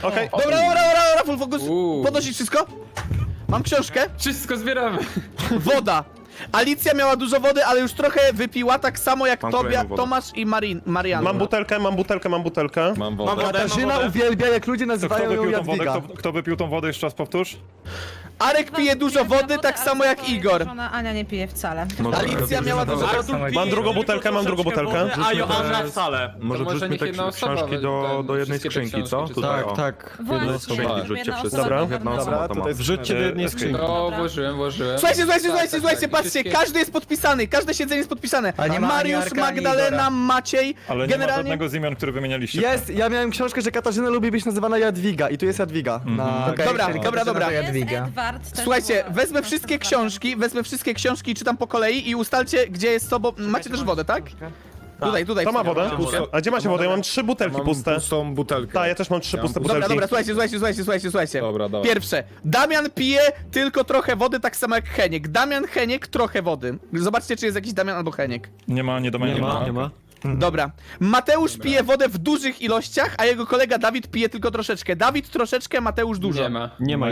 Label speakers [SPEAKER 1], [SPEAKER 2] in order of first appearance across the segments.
[SPEAKER 1] Okej.
[SPEAKER 2] Dobra, full focus. Podnosić wszystko? Mam książkę.
[SPEAKER 3] Wszystko zbieramy.
[SPEAKER 2] Woda. Alicja miała dużo wody, ale już trochę wypiła, tak samo jak
[SPEAKER 4] Mam
[SPEAKER 2] Tobia,
[SPEAKER 4] kolejną wodę.
[SPEAKER 2] Tomasz i Marian.
[SPEAKER 1] Mam butelkę.
[SPEAKER 5] Mam wodę.
[SPEAKER 6] Katarzyna uwielbia, jak ludzie
[SPEAKER 7] To kto
[SPEAKER 6] nazywają ją
[SPEAKER 7] wypił tą wodę?
[SPEAKER 6] Jadwiga.
[SPEAKER 7] Kto wypił tą wodę? Jeszcze raz powtórz.
[SPEAKER 2] Arek pije dużo wody, tak samo jak Igor.
[SPEAKER 8] Żona Ania nie pije wcale.
[SPEAKER 2] Alicja miała dużo wody.
[SPEAKER 1] Mam drugą butelkę, mam drugą butelkę.
[SPEAKER 5] A Joanna wcale.
[SPEAKER 4] Może
[SPEAKER 3] może
[SPEAKER 4] wrzućmy
[SPEAKER 3] niech
[SPEAKER 4] te
[SPEAKER 3] jedna osoba
[SPEAKER 4] książki do jednej
[SPEAKER 3] wszystkie te
[SPEAKER 4] skrzynki, co?
[SPEAKER 3] książki
[SPEAKER 4] Tutaj,
[SPEAKER 3] tutaj.
[SPEAKER 4] o.
[SPEAKER 6] Tak.
[SPEAKER 8] Właśnie,
[SPEAKER 4] skrzynki wrzućcie
[SPEAKER 8] jedna
[SPEAKER 4] wszyscy.
[SPEAKER 8] osoba
[SPEAKER 1] Dobra.
[SPEAKER 4] Jedna
[SPEAKER 8] ogarnęła.
[SPEAKER 4] osoba to ma.
[SPEAKER 6] Wrzućcie do jednej skrzynki.
[SPEAKER 3] No, włożyłem.
[SPEAKER 2] Słuchajcie, patrzcie,
[SPEAKER 3] Wszystkie-
[SPEAKER 2] każdy jest podpisany, każde siedzenie jest podpisane.
[SPEAKER 5] A nie ma ani
[SPEAKER 2] Mariusz,
[SPEAKER 5] Arka, ani
[SPEAKER 2] Magdalena,
[SPEAKER 5] Igora.
[SPEAKER 2] Maciej,
[SPEAKER 7] Ale nie ma
[SPEAKER 2] generalnie...
[SPEAKER 7] żadnego z imion, które wymienialiście.
[SPEAKER 6] Jest, ja miałem książkę, że Katarzyna lubi być nazywana Jadwiga i tu jest Jadwiga. Na...
[SPEAKER 5] Okej,
[SPEAKER 2] Dobra,
[SPEAKER 5] czyli
[SPEAKER 2] dobra,
[SPEAKER 5] Katarzyna
[SPEAKER 2] dobra.
[SPEAKER 5] to
[SPEAKER 8] Jest
[SPEAKER 5] Jadwiga.
[SPEAKER 8] Edward, też
[SPEAKER 2] Słuchajcie,
[SPEAKER 8] była-
[SPEAKER 2] wezmę wszystkie książki i czytam po kolei i ustalcie, gdzie jest co, bo macie też wodę, tak? Tutaj.
[SPEAKER 1] To ma wodę?
[SPEAKER 2] Puste.
[SPEAKER 1] A gdzie macie wodę? Ja mam 3 butelki
[SPEAKER 9] Mam
[SPEAKER 1] puste.
[SPEAKER 9] pustą butelkę.
[SPEAKER 1] Tak, ja też mam 3 puste butelki.
[SPEAKER 2] Dobra, słuchajcie.
[SPEAKER 9] Dobra, dawaj.
[SPEAKER 2] Pierwsze. Damian pije tylko trochę wody, tak samo jak Heniek. Damian, Heniek, trochę wody. Zobaczcie, czy jest jakiś Damian albo Heniek.
[SPEAKER 7] Nie ma.
[SPEAKER 6] Nie ma.
[SPEAKER 2] Dobra. Mateusz pije wodę w dużych ilościach, a jego kolega Dawid pije tylko troszeczkę. Dawid troszeczkę, Mateusz dużo.
[SPEAKER 3] Nie ma.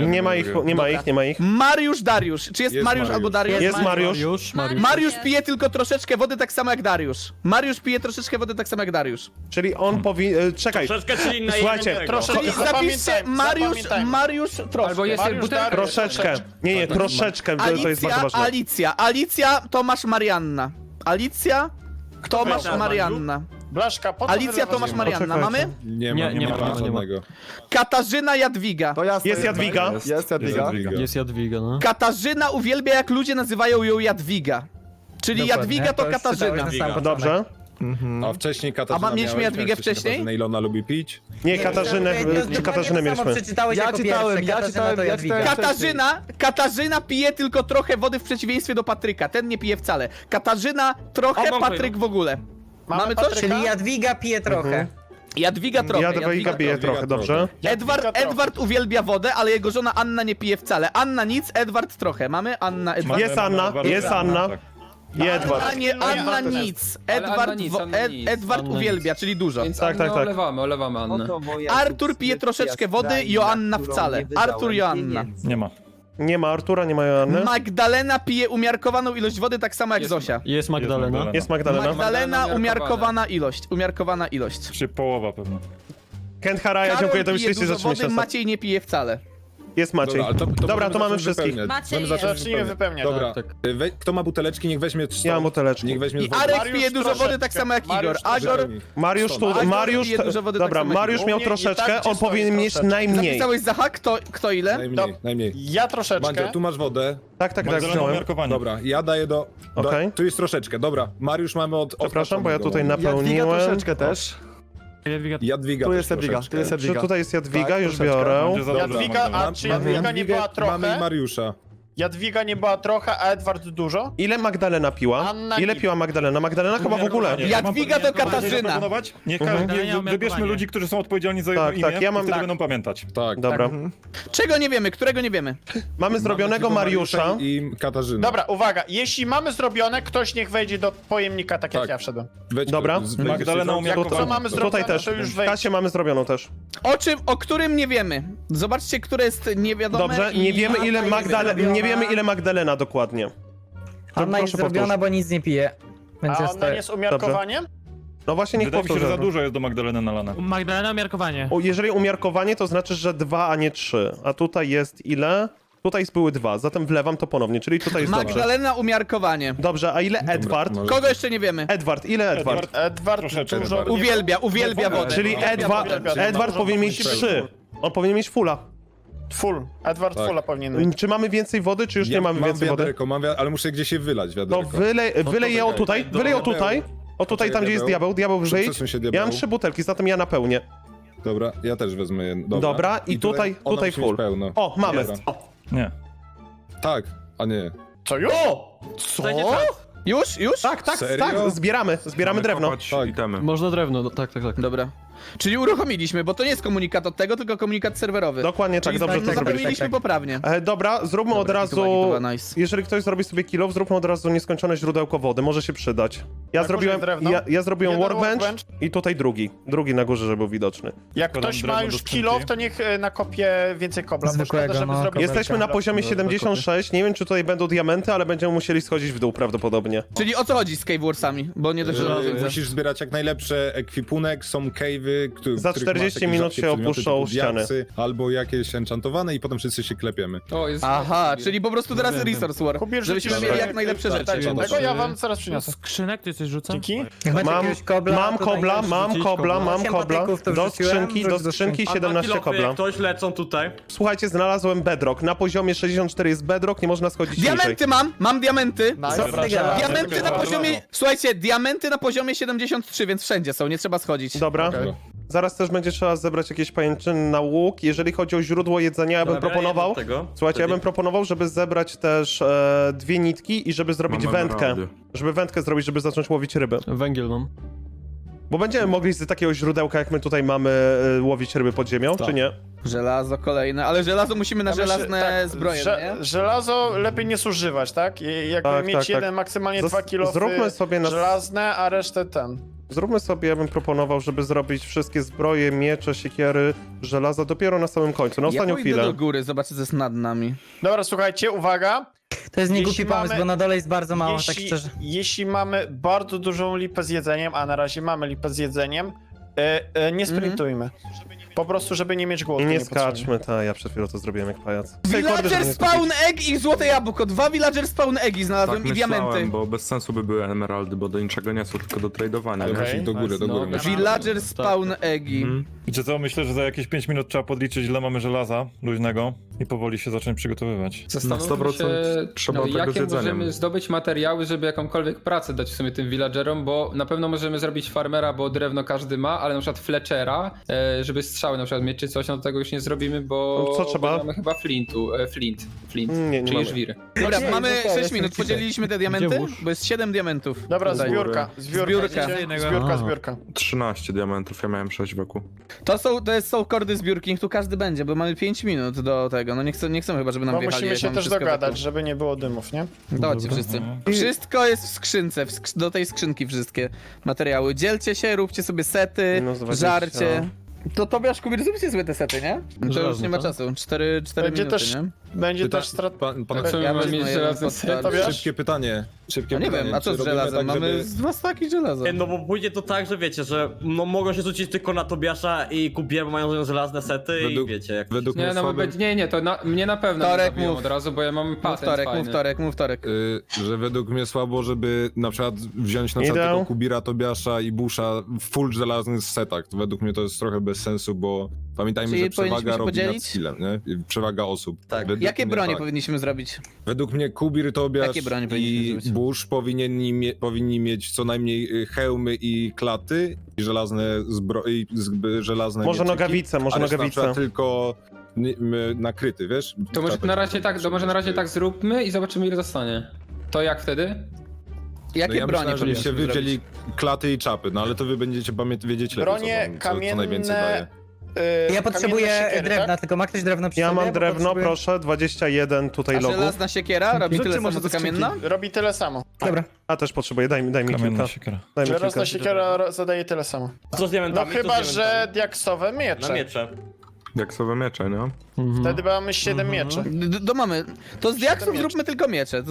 [SPEAKER 1] Nie ma ich.
[SPEAKER 2] Mariusz, Dariusz. Czy jest,
[SPEAKER 9] Jest
[SPEAKER 2] Mariusz
[SPEAKER 9] Mariusz.
[SPEAKER 2] albo Dariusz?
[SPEAKER 1] Jest Mariusz.
[SPEAKER 2] Mariusz pije tylko troszeczkę wody, tak samo jak Dariusz. Mariusz pije troszeczkę wody, tak samo jak Dariusz.
[SPEAKER 1] Czyli on powinien... Czekaj.
[SPEAKER 5] Troszeczkę, czyli na
[SPEAKER 1] Słuchajcie,
[SPEAKER 5] jednego.
[SPEAKER 2] Czyli zapiszcie Mariusz troszkę.
[SPEAKER 3] Albo jest butelka.
[SPEAKER 1] Troszeczkę. Nie, troszeczkę. To jest bardzo ważne.
[SPEAKER 2] Alicja, Tomasz, Marianna. Alicja, Tomasz, Marianna.
[SPEAKER 5] Blaszka, po co
[SPEAKER 2] Alicja,
[SPEAKER 5] wylewasz
[SPEAKER 2] Tomasz,
[SPEAKER 5] ziemię?
[SPEAKER 2] Marianna.
[SPEAKER 1] Poczekajcie.
[SPEAKER 2] Mamy?
[SPEAKER 9] Nie ma żadnego.
[SPEAKER 2] Katarzyna, Jadwiga.
[SPEAKER 6] To jasne.
[SPEAKER 1] Jest Jadwiga.
[SPEAKER 6] Jest Jadwiga.
[SPEAKER 7] Jest
[SPEAKER 6] Jadwiga, no.
[SPEAKER 2] Katarzyna uwielbia, jak ludzie nazywają ją Jadwiga. Czyli
[SPEAKER 5] Dokładnie,
[SPEAKER 2] Jadwiga to
[SPEAKER 5] to jest
[SPEAKER 2] Katarzyna.
[SPEAKER 5] czytałeś na sam
[SPEAKER 1] Dobrze.
[SPEAKER 9] A wcześniej Katarzyna
[SPEAKER 2] mieliśmy
[SPEAKER 9] miałeś,
[SPEAKER 2] Jadwigę
[SPEAKER 9] miałeś
[SPEAKER 2] wcześniej?
[SPEAKER 9] Katarzyna Ilona lubi pić?
[SPEAKER 1] Nie, Katarzynę, czy Katarzynę mieliśmy?
[SPEAKER 5] Przeczytałeś
[SPEAKER 6] Ja
[SPEAKER 5] jako
[SPEAKER 6] czytałem,
[SPEAKER 5] pierwsze,
[SPEAKER 6] ja
[SPEAKER 5] Katarzyna
[SPEAKER 6] czytałem,
[SPEAKER 5] to
[SPEAKER 6] ja
[SPEAKER 5] Jadwiga.
[SPEAKER 6] czytałem.
[SPEAKER 2] Katarzyna pije tylko trochę wody w przeciwieństwie do Patryka. Ten nie pije wcale. Katarzyna trochę,
[SPEAKER 5] mam
[SPEAKER 2] Patryk w ogóle. Mamy coś?
[SPEAKER 5] Czyli Jadwiga pije trochę.
[SPEAKER 2] Jadwiga trochę.
[SPEAKER 1] Jadwiga bije trochę, dobrze.
[SPEAKER 2] Edward uwielbia wodę, ale jego żona Anna nie pije wcale. Anna nic, Edward trochę. Mamy Anna, Edward.
[SPEAKER 1] Jest Anna, jest Anna. Jedward.
[SPEAKER 2] Anna nic.
[SPEAKER 3] Ale
[SPEAKER 2] Edward,
[SPEAKER 3] Anna nic, Anna nic.
[SPEAKER 2] Edward uwielbia, czyli dużo.
[SPEAKER 3] Więc
[SPEAKER 1] Tak,
[SPEAKER 3] Annę
[SPEAKER 1] tak.
[SPEAKER 3] olewamy Annę.
[SPEAKER 2] Artur pije troszeczkę wody, Joanna wcale. Artur, Joanna.
[SPEAKER 7] Nie ma.
[SPEAKER 1] Nie ma Artura, nie ma Joanny.
[SPEAKER 2] Magdalena pije umiarkowaną ilość wody, tak samo jak
[SPEAKER 3] Jest-
[SPEAKER 2] Zosia.
[SPEAKER 6] Jest Magdalena.
[SPEAKER 1] Jest Magdalena.
[SPEAKER 2] Magdalena,
[SPEAKER 3] umiarkowana
[SPEAKER 2] umiarkowana ilość.
[SPEAKER 7] Czy połowa pewnie.
[SPEAKER 1] Kent Haraja,
[SPEAKER 2] Karol
[SPEAKER 1] dziękuję, to
[SPEAKER 2] pije
[SPEAKER 1] myślicie,
[SPEAKER 2] dużo
[SPEAKER 1] zaczynamy
[SPEAKER 2] wody,
[SPEAKER 1] się.
[SPEAKER 2] Maciej nie pije wcale.
[SPEAKER 1] Jest Maciej.
[SPEAKER 9] Dobra, ale
[SPEAKER 1] Dobra, to mamy
[SPEAKER 9] możemy
[SPEAKER 1] wszystkich.
[SPEAKER 9] wypełniać.
[SPEAKER 8] Maciej
[SPEAKER 9] Możemy zacząć
[SPEAKER 5] Zacznijmy wypełniać.
[SPEAKER 9] Dobra,
[SPEAKER 6] Tak.
[SPEAKER 9] kto ma buteleczki, niech weźmie
[SPEAKER 1] Ja mam buteleczki.
[SPEAKER 9] Niech weźmie
[SPEAKER 2] I
[SPEAKER 9] wodę.
[SPEAKER 2] Arek
[SPEAKER 5] Mariusz
[SPEAKER 2] pije dużo wody, tak samo jak Igor.
[SPEAKER 5] Mariusz
[SPEAKER 2] Agor,
[SPEAKER 1] Mariusz tu,
[SPEAKER 2] Agor
[SPEAKER 1] Mariusz...
[SPEAKER 2] pije dużo wody,
[SPEAKER 1] Dobra,
[SPEAKER 2] tak samo jak
[SPEAKER 1] Mariusz
[SPEAKER 5] Igor.
[SPEAKER 1] miał
[SPEAKER 5] U mnie i
[SPEAKER 1] troszeczkę,
[SPEAKER 5] tak
[SPEAKER 1] on
[SPEAKER 5] czysto
[SPEAKER 1] powinien mieć
[SPEAKER 5] troszeczkę.
[SPEAKER 1] najmniej.
[SPEAKER 2] napisałeś Zaha? Kto ile?
[SPEAKER 9] Najmniej.
[SPEAKER 5] Ja troszeczkę.
[SPEAKER 9] Mandzio, tu masz wodę.
[SPEAKER 1] Tak,
[SPEAKER 7] Magdalena
[SPEAKER 1] wziąłem.
[SPEAKER 7] umiarkowanie.
[SPEAKER 9] Dobra, ja daję do...
[SPEAKER 1] Okej.
[SPEAKER 9] Tu jest troszeczkę, dobra. Mariusz mamy od...
[SPEAKER 1] Przepraszam, bo ja tutaj
[SPEAKER 6] Jadwiga
[SPEAKER 1] napełniłem.
[SPEAKER 6] troszeczkę też.
[SPEAKER 9] Jadwiga
[SPEAKER 6] Tu
[SPEAKER 9] też
[SPEAKER 6] jest Jadwiga,
[SPEAKER 9] troszeczkę.
[SPEAKER 6] tu jest
[SPEAKER 1] Czy
[SPEAKER 6] Jadwiga.
[SPEAKER 1] tutaj jest Jadwiga?
[SPEAKER 6] Tak,
[SPEAKER 1] Już
[SPEAKER 6] troszeczkę.
[SPEAKER 1] biorę.
[SPEAKER 7] Będzie za dużo
[SPEAKER 5] Jadwiga,
[SPEAKER 7] Magdalena.
[SPEAKER 5] a czy Jadwiga nie była
[SPEAKER 9] Mamy i
[SPEAKER 5] trochę?
[SPEAKER 9] Mariusza.
[SPEAKER 5] Jadwiga nie była trochę, a Edward dużo?
[SPEAKER 1] Ile Magdalena piła?
[SPEAKER 5] Anna
[SPEAKER 1] Ile
[SPEAKER 5] nie-
[SPEAKER 1] piła Magdalena? Magdalena chyba w ogóle.
[SPEAKER 2] Jadwiga to Katarzyna.
[SPEAKER 7] Zaproponować? Niech wybierzmy ludzi, którzy są odpowiedzialni za jego
[SPEAKER 1] Tak,
[SPEAKER 7] imię
[SPEAKER 1] tak, ja mam-
[SPEAKER 7] i wtedy
[SPEAKER 1] tak.
[SPEAKER 7] będą pamiętać.
[SPEAKER 9] Tak.
[SPEAKER 1] Dobra.
[SPEAKER 2] Czego nie wiemy? Którego nie wiemy?
[SPEAKER 1] Mamy zrobionego Mariusza.
[SPEAKER 9] I Katarzyna.
[SPEAKER 5] Dobra, uwaga, jeśli mamy zrobione, ktoś niech wejdzie do pojemnika, tak jak
[SPEAKER 9] Tak.
[SPEAKER 5] ja wszedłem.
[SPEAKER 9] Wejdź,
[SPEAKER 1] Dobra.
[SPEAKER 7] Magdalena
[SPEAKER 5] Jak
[SPEAKER 7] umiarkowanie.
[SPEAKER 5] co mamy zrobione,
[SPEAKER 1] Tutaj też.
[SPEAKER 5] to już
[SPEAKER 1] W
[SPEAKER 5] wejdź.
[SPEAKER 1] kasie mamy zrobioną też.
[SPEAKER 2] O którym nie wiemy. Zobaczcie, które jest niewiadome.
[SPEAKER 1] Dobrze,
[SPEAKER 2] i-
[SPEAKER 1] nie wiemy ile
[SPEAKER 5] Anna jest zrobiona.
[SPEAKER 1] nie wiemy ile Magdalena dokładnie.
[SPEAKER 5] Anna jest
[SPEAKER 1] Proszę powtórz.
[SPEAKER 5] zrobiona, bo nic nie pije. Więc
[SPEAKER 1] A
[SPEAKER 5] jest
[SPEAKER 1] ona nie
[SPEAKER 5] jest umiarkowaniem?
[SPEAKER 1] No właśnie, niech
[SPEAKER 7] Wydaje mi się, że
[SPEAKER 1] powtórzę.
[SPEAKER 7] za dużo jest do Magdaleny nalane.
[SPEAKER 10] Magdalena umiarkowanie.
[SPEAKER 1] Jeżeli umiarkowanie, to znaczy, że 2, a nie 3. A tutaj jest ile? Tutaj były 2, zatem wlewam to ponownie, czyli tutaj jest dobrze.
[SPEAKER 2] Magdalena umiarkowanie.
[SPEAKER 1] Dobrze, a ile Edward?
[SPEAKER 9] może-
[SPEAKER 2] Kogo jeszcze nie wiemy?
[SPEAKER 1] Edward, ile Edward?
[SPEAKER 5] Edward
[SPEAKER 7] Troszeczkę
[SPEAKER 5] dużo...
[SPEAKER 7] Edward.
[SPEAKER 2] Uwielbia wodę.
[SPEAKER 1] Czyli Edward powinien mieć 3. On powinien mieć fulla.
[SPEAKER 5] Full. Edward
[SPEAKER 9] Tak.
[SPEAKER 5] fulla powinien być.
[SPEAKER 1] Czy mamy więcej wody, czy już nie mamy więcej wody?
[SPEAKER 9] wiaderko, ale muszę gdzieś je wylać,
[SPEAKER 1] No
[SPEAKER 9] wiaderko.
[SPEAKER 1] wylej je o tutaj, wylej o tutaj. O tutaj, tam gdzie jest diabeł wyjdź.
[SPEAKER 9] Przesuń się, diabeł.
[SPEAKER 1] Ja mam 3 butelki, zatem ja napełnię.
[SPEAKER 9] Dobra, ja też wezmę jedno.
[SPEAKER 1] Dobra, i tutaj
[SPEAKER 9] ona
[SPEAKER 1] tutaj
[SPEAKER 9] musi mieć
[SPEAKER 1] full.
[SPEAKER 9] pełno.
[SPEAKER 1] O, mamy.
[SPEAKER 9] Dobra.
[SPEAKER 7] Nie.
[SPEAKER 9] Tak, a nie.
[SPEAKER 5] Co już?
[SPEAKER 2] Co? Już?
[SPEAKER 1] Tak,
[SPEAKER 9] Serio?
[SPEAKER 1] zbieramy drewno.
[SPEAKER 4] Kopać
[SPEAKER 9] Tak.
[SPEAKER 4] itemy.
[SPEAKER 6] Można drewno, tak.
[SPEAKER 2] Dobra. Czyli uruchomiliśmy, bo to nie jest komunikat od tego, tylko komunikat serwerowy.
[SPEAKER 1] Dokładnie tak,
[SPEAKER 2] Czyli
[SPEAKER 1] dobrze to zrobiliśmy.
[SPEAKER 2] naprawiliśmy poprawnie.
[SPEAKER 1] Dobra, zróbmy od
[SPEAKER 2] Dobra,
[SPEAKER 1] razu,
[SPEAKER 2] to była nice.
[SPEAKER 1] jeżeli ktoś zrobi sobie kill-off, zróbmy od razu nieskończone źródełko wody, może się przydać. Ja
[SPEAKER 5] Na
[SPEAKER 1] zrobiłem,
[SPEAKER 5] górze jest drewno.
[SPEAKER 1] ja zrobiłem
[SPEAKER 5] Jeden
[SPEAKER 1] workbench
[SPEAKER 5] workbench.
[SPEAKER 1] i tutaj drugi na górze, żeby był widoczny.
[SPEAKER 5] Jak
[SPEAKER 7] Podam
[SPEAKER 5] ktoś ma
[SPEAKER 7] drewno
[SPEAKER 5] już
[SPEAKER 7] do skrzynki.
[SPEAKER 5] kill off, to niech nakopie więcej kobla, bo
[SPEAKER 6] Zwykłego,
[SPEAKER 5] szkoda, żeby
[SPEAKER 6] no,
[SPEAKER 5] zrobić...
[SPEAKER 1] Jesteśmy na poziomie
[SPEAKER 6] do
[SPEAKER 1] 76, nie wiem czy tutaj będą diamenty, ale będziemy musieli schodzić w dół prawdopodobnie.
[SPEAKER 2] Czyli o co chodzi z Cave Warsami? Bo nie dość, że widzę.
[SPEAKER 9] Musisz zbierać jak najlepsze ekwipunek, są cave'y,
[SPEAKER 1] Za 40 minut się opuszczą ściany.
[SPEAKER 9] Albo jakieś enchantowane i potem wszyscy się klepiemy.
[SPEAKER 3] O, jest...
[SPEAKER 2] Aha, czyli po prostu teraz Resource War.
[SPEAKER 5] Kubir,
[SPEAKER 2] Żebyśmy
[SPEAKER 5] rzucisz
[SPEAKER 2] mieli
[SPEAKER 5] sobie-
[SPEAKER 2] jak najlepsze rzeczy.
[SPEAKER 5] Dajcie,
[SPEAKER 9] Dobra.
[SPEAKER 5] tego ja wam zaraz przyniosę.
[SPEAKER 4] Skrzynek ty coś rzucam?
[SPEAKER 5] Dzięki.
[SPEAKER 1] Mam kobla, mam
[SPEAKER 6] Osiem
[SPEAKER 1] kobla,
[SPEAKER 6] patyków to
[SPEAKER 1] do
[SPEAKER 6] wrzuciłem,
[SPEAKER 1] skrzynki
[SPEAKER 6] wrzuć do skrzynki.
[SPEAKER 1] 17 kobla.
[SPEAKER 4] Ktoś lecą tutaj.
[SPEAKER 1] Słuchajcie, znalazłem bedrock, na poziomie 64 jest bedrock, nie można schodzić niżej.
[SPEAKER 2] Diamenty mam diamenty.
[SPEAKER 5] Dobra,
[SPEAKER 2] Diamenty na poziomie... Słuchajcie, diamenty na poziomie 73, więc wszędzie są, nie trzeba schodzić.
[SPEAKER 1] Dobra.
[SPEAKER 9] Okej.
[SPEAKER 1] Zaraz też będzie trzeba zebrać jakieś pajęczyny na łuk. Jeżeli chodzi o źródło jedzenia, ja bym proponował... Słuchajcie, ja bym proponował, żeby zebrać też 2 nitki i żeby zrobić wędkę. Żeby wędkę zrobić, żeby zacząć łowić ryby.
[SPEAKER 4] Węgiel mam.
[SPEAKER 1] Bo będziemy mogli z takiego źródełka, jak my tutaj mamy, łowić ryby pod ziemią, czy nie?
[SPEAKER 2] Żelazo kolejne, ale żelazo musimy na
[SPEAKER 5] Ja myślę,
[SPEAKER 2] żelazne
[SPEAKER 5] tak,
[SPEAKER 2] zbroje, nie?
[SPEAKER 5] Żelazo lepiej nie zużywać, tak? Jakby
[SPEAKER 1] Tak,
[SPEAKER 5] mieć
[SPEAKER 1] tak,
[SPEAKER 5] jeden,
[SPEAKER 1] tak.
[SPEAKER 5] maksymalnie 2 kilo
[SPEAKER 1] Zróbmy sobie na...
[SPEAKER 5] żelazne, a resztę
[SPEAKER 1] Zróbmy sobie, ja bym proponował, żeby zrobić wszystkie zbroje, miecze, siekiery, żelaza dopiero na samym końcu, na
[SPEAKER 2] Ja
[SPEAKER 1] ostatnią
[SPEAKER 2] pójdę
[SPEAKER 1] chwilę.
[SPEAKER 2] do góry, zobaczę co jest nad nami.
[SPEAKER 5] Dobra, słuchajcie, uwaga.
[SPEAKER 8] To jest niegłupi
[SPEAKER 5] Jeśli
[SPEAKER 8] pomysł,
[SPEAKER 5] mamy-
[SPEAKER 8] bo na dole jest bardzo mało, tak szczerze.
[SPEAKER 5] Jeśli mamy bardzo dużą lipę z jedzeniem, a na razie mamy lipę z jedzeniem, nie sprintujmy. Po prostu, żeby nie mieć głodu.
[SPEAKER 1] I nie
[SPEAKER 5] niepotrzebnie.
[SPEAKER 1] skaczmy, ja przed chwilą to zrobiłem jak pajac. Kordy, żeby
[SPEAKER 2] Villager
[SPEAKER 1] nie
[SPEAKER 2] spawn
[SPEAKER 1] skakiwać.
[SPEAKER 2] egg i złote jabłko. 2 villager spawn eggi znalazłem i diamenty.
[SPEAKER 10] bo bez sensu by były emeraldy, bo do niczego nie są, tylko do tradowania.
[SPEAKER 9] Ale
[SPEAKER 5] Okej.
[SPEAKER 9] musisz do góry, do góry.
[SPEAKER 3] No,
[SPEAKER 9] musisz.
[SPEAKER 2] Villager spawn eggi.
[SPEAKER 7] Wiecie co, myślę, że za jakieś 5 minut trzeba podliczyć, ile mamy żelaza luźnego i powoli się zacząć przygotowywać.
[SPEAKER 3] Zastanówmy
[SPEAKER 10] 100%
[SPEAKER 3] się,
[SPEAKER 10] trzeba tego
[SPEAKER 3] jakie
[SPEAKER 10] z jedzeniem.
[SPEAKER 3] możemy zdobyć materiały, żeby jakąkolwiek pracę dać w sumie tym villagerom, bo na pewno możemy zrobić farmera, bo drewno każdy ma, ale na przykład fletchera, żeby strzały na przykład mieć czy coś, no to tego już nie zrobimy, bo
[SPEAKER 1] Co trzeba?
[SPEAKER 3] bo mamy chyba flint,
[SPEAKER 1] Nie
[SPEAKER 3] czyli
[SPEAKER 1] mamy.
[SPEAKER 3] żwiry.
[SPEAKER 2] Dobra,
[SPEAKER 6] Nie,
[SPEAKER 2] mamy
[SPEAKER 6] zostawię
[SPEAKER 2] 6 minut,
[SPEAKER 6] sobie
[SPEAKER 2] podzieliliśmy te diamenty,
[SPEAKER 4] Gdzie łóż?
[SPEAKER 2] bo jest 7 diamentów.
[SPEAKER 5] Dobra,
[SPEAKER 2] Tutaj.
[SPEAKER 5] zbiórka.
[SPEAKER 2] Zbiórka.
[SPEAKER 5] Zbiórka.
[SPEAKER 10] 13 diamentów, ja miałem 6 wokół.
[SPEAKER 2] To są kordy zbiórki, tu każdy będzie, bo mamy 5 minut do tego, no nie chcemy chyba, żeby nam
[SPEAKER 5] Bo
[SPEAKER 2] wjechali.
[SPEAKER 5] musimy
[SPEAKER 2] jak
[SPEAKER 5] się
[SPEAKER 2] mamy
[SPEAKER 5] też
[SPEAKER 2] wszystko
[SPEAKER 5] dogadać,
[SPEAKER 2] wokół.
[SPEAKER 5] żeby nie było dymów, nie?
[SPEAKER 2] Dawajcie wszyscy. Wszystko jest w skrzynce, do tej skrzynki wszystkie materiały. Dzielcie się, róbcie sobie sety,
[SPEAKER 1] Minus 20.
[SPEAKER 2] żarcie. To Tobiasz, Kubir, zróbcie sobie te sety, nie? To już
[SPEAKER 4] Żelazne,
[SPEAKER 2] nie ma
[SPEAKER 4] to?
[SPEAKER 2] czasu, 4
[SPEAKER 5] Będzie
[SPEAKER 2] minuty,
[SPEAKER 5] też-
[SPEAKER 2] nie?
[SPEAKER 5] Będzie też strat...
[SPEAKER 3] Co my
[SPEAKER 2] Ja
[SPEAKER 3] mamy
[SPEAKER 2] wezmę
[SPEAKER 3] mieć
[SPEAKER 2] jeden
[SPEAKER 3] żelazny
[SPEAKER 2] podstawę.
[SPEAKER 3] set?
[SPEAKER 5] Tobiasz?
[SPEAKER 9] Szybkie pytanie. Szybkie
[SPEAKER 2] No nie
[SPEAKER 9] pytanie.
[SPEAKER 2] wiem, a co
[SPEAKER 9] Czy
[SPEAKER 2] z
[SPEAKER 9] robimy
[SPEAKER 2] żelazem?
[SPEAKER 9] tak,
[SPEAKER 2] Mamy
[SPEAKER 9] żeby-
[SPEAKER 2] z 2 staki żelaza.
[SPEAKER 4] No bo pójdzie to tak, że wiecie, że no mogą się rzucić tylko na Tobiasza i Kubier, bo mają żelazne sety i wiecie jak...
[SPEAKER 9] Według
[SPEAKER 3] Nie,
[SPEAKER 9] mnie
[SPEAKER 3] no bo
[SPEAKER 9] słabym-
[SPEAKER 3] nie, to mnie na pewno
[SPEAKER 2] Torek,
[SPEAKER 3] nie zabiją
[SPEAKER 2] mów.
[SPEAKER 3] od razu, bo ja mam patent fajny.
[SPEAKER 2] Mów Torek.
[SPEAKER 9] że według mnie słabo, żeby na przykład wziąć na
[SPEAKER 1] Idę.
[SPEAKER 9] przykład tego Kubira, Tobiasza i Busha w full żelaznych setach. To według mnie to jest trochę bez sensu, bo pamiętajmy,
[SPEAKER 2] Czyli
[SPEAKER 9] że przewaga
[SPEAKER 2] powinniśmy się
[SPEAKER 9] robi nad
[SPEAKER 2] podzielić?
[SPEAKER 9] skillem, nie? I przewaga osób.
[SPEAKER 4] Tak.
[SPEAKER 9] Według
[SPEAKER 2] Jakie
[SPEAKER 9] mnie
[SPEAKER 2] bronie
[SPEAKER 9] tak.
[SPEAKER 2] powinniśmy zrobić?
[SPEAKER 9] Według mnie Kubir, Tobiasz
[SPEAKER 2] Jakie bronie powinniśmy
[SPEAKER 9] i
[SPEAKER 2] zrobić?
[SPEAKER 9] Bush powinni mieć co najmniej hełmy i klaty i żelazne żelazne
[SPEAKER 1] Może
[SPEAKER 9] mieczyki,
[SPEAKER 1] nogawice, może
[SPEAKER 9] a reszta na
[SPEAKER 1] nogawice.
[SPEAKER 9] przykład tylko nakryty, wiesz?
[SPEAKER 3] To może
[SPEAKER 9] Trzeba
[SPEAKER 3] na razie
[SPEAKER 9] takie-
[SPEAKER 3] tak, to może na razie tak zróbmy i zobaczymy ile zostanie. To jak wtedy?
[SPEAKER 2] Jakie
[SPEAKER 9] No ja
[SPEAKER 2] bronie
[SPEAKER 9] myślałem, żebyście
[SPEAKER 2] powinniśmy
[SPEAKER 9] wy
[SPEAKER 2] zrobić?
[SPEAKER 9] wzięli klaty i czapy, no ale to wy będziecie wiedzieć lepiej,
[SPEAKER 5] Bronie
[SPEAKER 9] co najwięcej daje.
[SPEAKER 5] kamienne...
[SPEAKER 8] Ja potrzebuję
[SPEAKER 5] siekiery,
[SPEAKER 8] drewna,
[SPEAKER 5] tak?
[SPEAKER 8] tylko ma ktoś drewno przy
[SPEAKER 1] Ja
[SPEAKER 8] sobie?
[SPEAKER 1] mam
[SPEAKER 8] Bo
[SPEAKER 1] drewno,
[SPEAKER 8] potrzebuję-
[SPEAKER 1] proszę, 21 tutaj
[SPEAKER 2] A
[SPEAKER 1] logów.
[SPEAKER 2] żelazna siekiera robi
[SPEAKER 6] Zróbcie
[SPEAKER 2] tyle
[SPEAKER 6] może
[SPEAKER 2] samo co
[SPEAKER 6] do skrzynki.
[SPEAKER 2] kamienna?
[SPEAKER 5] Robi tyle samo.
[SPEAKER 8] Dobra.
[SPEAKER 1] A też potrzebuję, daj mi kilka.
[SPEAKER 7] Kamienna siekiera.
[SPEAKER 1] Daj mi
[SPEAKER 5] Żelazna
[SPEAKER 1] kilka.
[SPEAKER 5] siekiera zadaje tyle samo.
[SPEAKER 4] Co z diamentami?
[SPEAKER 5] No
[SPEAKER 4] Co z
[SPEAKER 5] chyba, że
[SPEAKER 4] diamentami?
[SPEAKER 5] diaksowe
[SPEAKER 4] Na
[SPEAKER 5] miecze.
[SPEAKER 4] miecze.
[SPEAKER 10] Diaksowe miecze, nie?
[SPEAKER 5] Wtedy mamy 7 mieczy.
[SPEAKER 2] To mamy. To z diaksów
[SPEAKER 5] mieczy.
[SPEAKER 2] zróbmy tylko miecze,